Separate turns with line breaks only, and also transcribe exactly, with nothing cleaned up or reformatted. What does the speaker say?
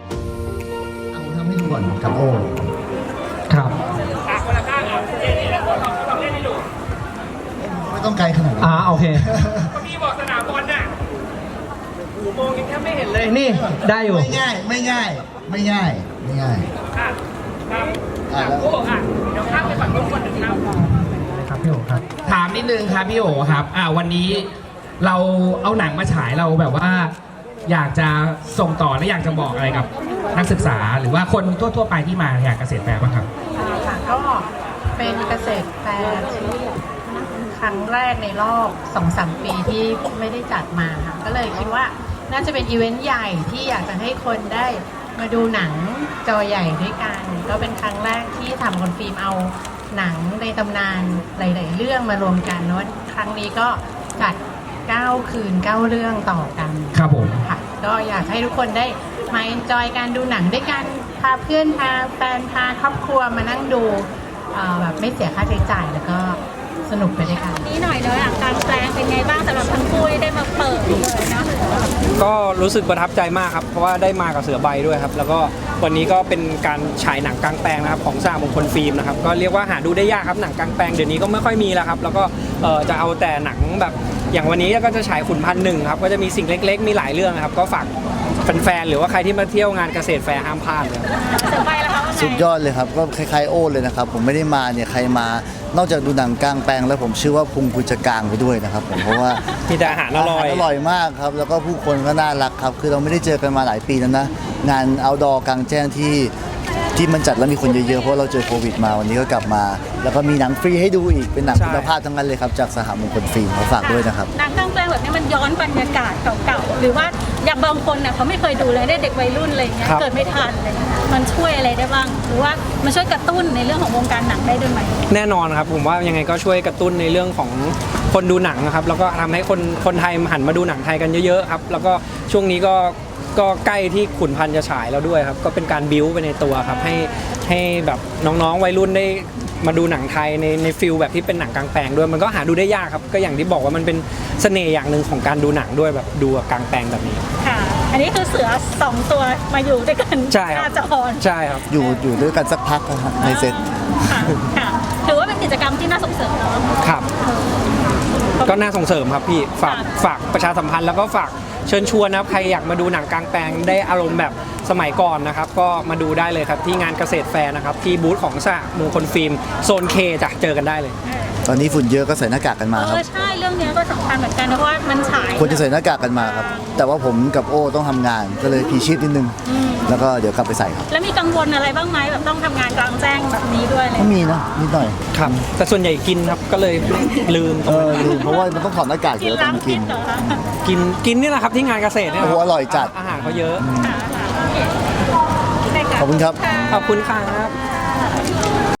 เอาทำให้ดูก่อนกับโอ
ครับ
คนละข้างอ่ะเจนี่แล้วคนลองลองเล่นให้ดู
ไม่ต้องไกลขนาดนั้น
อ่าโอเค
พี่บอกสนามบอลน่ะหูมองยังแทบไม่เห็นเลย
นี่ได้อยู่
ไม่ง่ายไม่ง่ายไม่ง่ายไม่ง่าย
อ่ะครับอ่ะโอ้อ่ะเดี๋ยวข้ามไปฝั่งนู้นคนหนึ่งครับ
ครับพี่โอ๋ครับ
ถามนิดนึงครับพี่โอ๋ครับอ่าวันนี้เราเอาหนังมาฉายเราแบบว่า อยากจะส่งต่อและอยากจะบอกอะไรกับนักศึกษาหรือว่าคนทั่วๆไปที่มาอยากเกษตรแฟร์บ้างครับ
ค่ะก็เป็นเกษตรแฟร์ที่ครั้งแรกในรอบ สองสาม ปีที่ไม่ได้จัดมาค่ะก็เลยคิดว่าน่าจะเป็นอีเวนต์ใหญ่ที่อยากจะให้คนได้มาดูหนังจอใหญ่ด้วยกันก็เป็นครั้งแรกที่ทำคนฟิล์มเอาหนังในตำนานหลายๆเรื่องมารวมกันเนาะครั้งนี้ก็จัดเก้าคืนเก้าเรื่องต่อกัน
ครับผม
ค่ะก็อยากให้ทุกคนได้มาเอนจอยการดูหนังด้วยกันพาเพื่อนพาแฟนพาครอบครัวมานั่งดูแบบไม่เสียค่าใช้จ่ายแล้วก็สนุกไปด้วยกัน
นี่หน่อยเลยอ่ะการแปลงเป็นไงบ้างสำหรับทั้งคู่ได้มาเปิดเลยนะ
ก็รู้สึกประทับใจมากครับเพราะว่าได้มากับเสือใบด้วยครับแล้วก็วันนี้ก็เป็นการฉายหนังกลางแปลงนะครับของสหมงคลฟิล์มนะครับก็เรียกว่าหาดูได้ยากครับหนังกลางแปลงเดี๋ยวนี้ก็ไม่ค่อยมีแล้วครับแล้วก็จะเอาแต่หนังแบบอย่างวันนี้ก็จะฉายขุนพันหนึ่งครับก็จะมีสิ่งเล็กๆมีหลายเรื่องครับก็ฝากแฟนๆหรือว่าใครที่มาเที่ยวงานเกษตรแฟร์ห้ามพลาดเลย
เสือใบแล้วครับ
สุดยอดเลยครับก็คล้ายๆโอ้เลยนะครับผมไม่ได้มาเนี่ยใครมานอกจากดูหนังกลางแปลงแล้วผมเชื่อว่าพุงคุณจะกลางไปด้วยนะครับผมเพราะว่า
มีแต่อาหารอร่อย
อร่อยมากครับแล้วก็ผู้คนก็น่ารักครับคือเราไม่ได้เจอกันมาหลายปีแล้วนะงานเอาท์ดอร์กลางแจ้งที่ที่มันจัดแล้วมีคนเยอะๆเพราะเราเจอโควิดมาวันนี้ก็กลับมาแล้วก็มีหนังฟรีให้ดูอีกเป็นหนังคุณภาพทั้งนั้นเลยครับจากสหมงคลฟิล์มขอฝากด้วยนะครับ
หนังกลางแปลงแบบนี้มันย้อนบรรยากาศเก่าๆหรือว่าอย่างบางคนเนี่ยเขาไม่เคยดูเลยได้เด็กวัยรุ่นอะไรเงี้ยเกิดไม่ทันเลยมันช่วยอะไรได้บ้างหรือว่ามันช่วยกระตุ้นในเรื่องของวงการหนังได้ด้วยไหม
แน่นอนครับผมว่ายังไงก็ช่วยกระตุ้นในเรื่องของคนดูหนังนะครับแล้วก็ทำให้คนคนไทยหันมาดูหนังไทยกันเยอะๆครับแล้วก็ช่วงนี้ก็ก็ใกล้ที่ขุนพันธ์จะฉายแล้วด้วยครับก็เป็นการบิ้วไปในตัวครับให้ให้แบบน้องๆวัยรุ่นได้มาดูหนังไทยในในฟิลแบบที่เป็นหนังกลางแปลงด้วยมันก็หาดูได้ยากครับก็อย่างที่บอกว่ามันเป็นเสน่ห์อย่างหนึ่งของการดูหนังด้วยแบบดูกลางแปลงแบบนี้
ค่ะอันนี้คือเสือสองตัวมาอยู่ด้วยกัน
ใช่ครับ
จะออน
ใช่ครับ
อยู่อยู่ด้วยกันสักพักนะครับในเซต
ค่ะถือว่าเป็นกิจกรรมที่น่าส่งเสริมเนาะ
ครับก็น่าส่งเสริมครับพี่ฝากฝากประชาสัมพันธ์แล้วก็ฝากเชิญชวนนะครับใครอยากมาดูหนังกลางแปลงได้อารมณ์แบบสมัยก่อนนะครับก็มาดูได้เลยครับที่งานเกษตรแฟร์นะครับที่บูธของสหมงคลฟิล์มโซนเคจะเจอกันได้เลย
ตอนนี้ฝุ่นเยอะก็ใส่หน้ากากกันมาครับ
เออใช่เรื่องนี้ก็สำคัญเหมือนกันเพราะว่ามันฉาย
ควรจะใส่หน้ากากกันมาครับแต่ว่าผมกับโอ้ต้องทำงานก็เลยพีชีพนิดนึงแล้วก็เดี๋ยวกลับไปใส่ครับ
แล้วมีกังวลอะไรบ้างไหมแบบต้องทำงานกลางแจ้งแบบนี้ด้วยเลย
ไม่มีนะนิดหน่อย
ครับแต่ส่วนใหญ่กินครับก็เลยลืม
เออลืมเพราะว่ามันต้องถอดหน้ากากเยอะตอนกิน
กินกินนี่แหละครับที่งานเกษตรเนี่ย
โอ้อร่อยจัด
อาหารเขาเยอะ
ขอบคุณครับ
ขอบคุณครับ